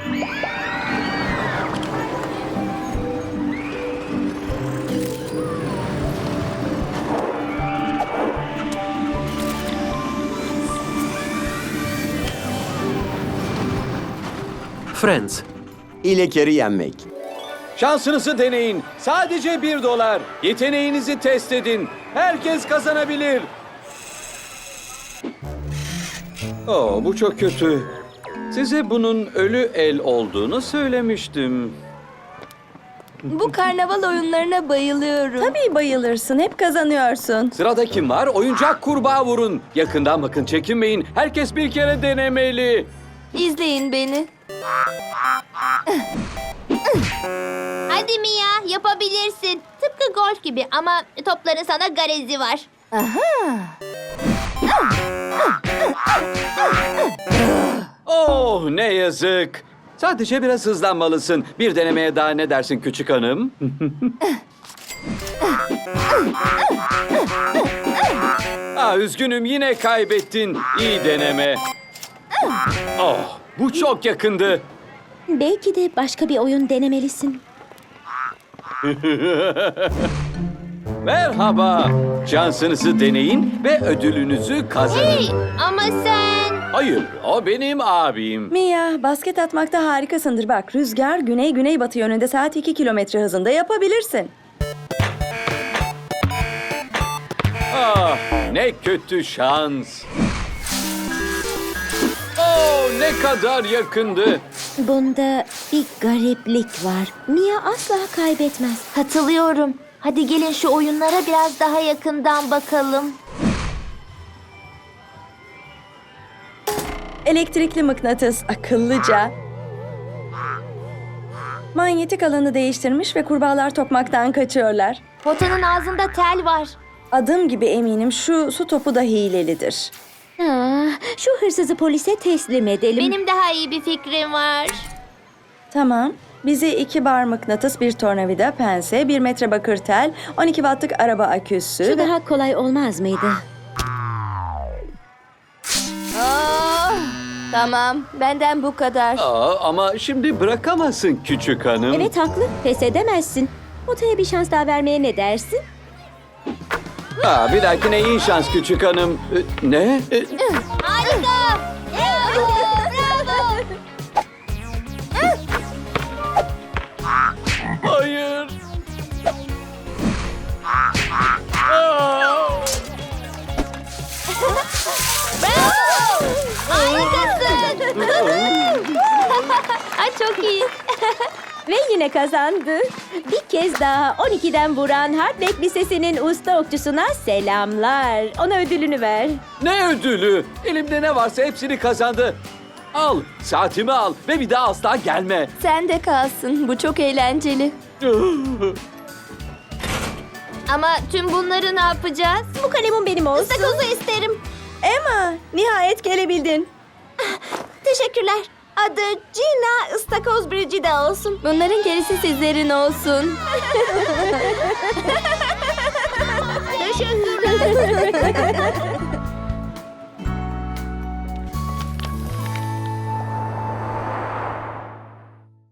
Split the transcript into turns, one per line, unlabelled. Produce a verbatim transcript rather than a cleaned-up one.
Friends.
İlekeri yenmek.
Şansınızı deneyin. Sadece bir dolar. Yeteneğinizi test edin. Herkes kazanabilir. Oo, bu çok kötü. Size bunun ölü el olduğunu söylemiştim.
Bu karnaval oyunlarına bayılıyorum.
Tabii bayılırsın. Hep kazanıyorsun.
Sırada kim var? Oyuncak kurbağa vurun. Yakından bakın, çekinmeyin. Herkes bir kere denemeli.
İzleyin beni.
Hadi Mia, yapabilirsin. Tıpkı golf gibi ama topların sana garezi var.
Oh, ne yazık. Sadece biraz hızlanmalısın. Bir denemeye daha ne dersin küçük hanım? Aa, üzgünüm, yine kaybettin. İyi deneme. Oh, bu çok yakındı.
Belki de başka bir oyun denemelisin.
Merhaba. Şansınızı deneyin ve ödülünüzü kazanın.
Hey, ama sen...
Hayır, o benim abim.
Mia, basket atmakta harikasındır. Bak, rüzgar güney-güneybatı yönünde saat iki kilometre hızında yapabilirsin.
Ah, ne kötü şans. Oh, ne kadar yakındı.
Bunda bir gariplik var. Mia asla kaybetmez.
Katılıyorum. Hadi gelin şu oyunlara biraz daha yakından bakalım.
Elektrikli mıknatıs akıllıca. Manyetik alanı değiştirmiş ve kurbağalar tokmaktan kaçıyorlar.
Potanın ağzında tel var.
Adım gibi eminim şu su topu da hilelidir.
Ah, şu hırsızı polise teslim edelim.
Benim daha iyi bir fikrim var.
Tamam. Bize iki bar mıknatıs, bir tornavida, pense, bir metre bakır tel, on iki wattlık araba aküsü.
Şu
ve-
daha kolay olmaz mıydı?
Ah, tamam, benden bu kadar.
Aa, ama şimdi bırakamazsın küçük hanım.
Evet haklı. Pes edemezsin. Potaya bir şans daha vermeye ne dersin?
Aa, bir dahakine iyi şans küçük hanım. Ee, ne? Ee,
Harika! Bravo! Bravo!
hayır. Aa!
Bravo! Harikasın! Ay, çok iyi.
Ve yine kazandı. Bir kez daha on ikiden vuran Hardback Lisesi'nin usta okçusuna selamlar. Ona ödülünü ver.
Ne ödülü? Elimde ne varsa hepsini kazandı. Al, saatimi al ve bir daha asla gelme.
Sen de kalsın, bu çok eğlenceli.
Ama tüm bunları ne yapacağız?
Bu kalemin benim olsun.
Istakozu isterim.
Emma, nihayet gelebildin.
Teşekkürler. Adı Gina Istakoz Brigida olsun.
Bunların gerisi sizlerin olsun.
Teşekkürler.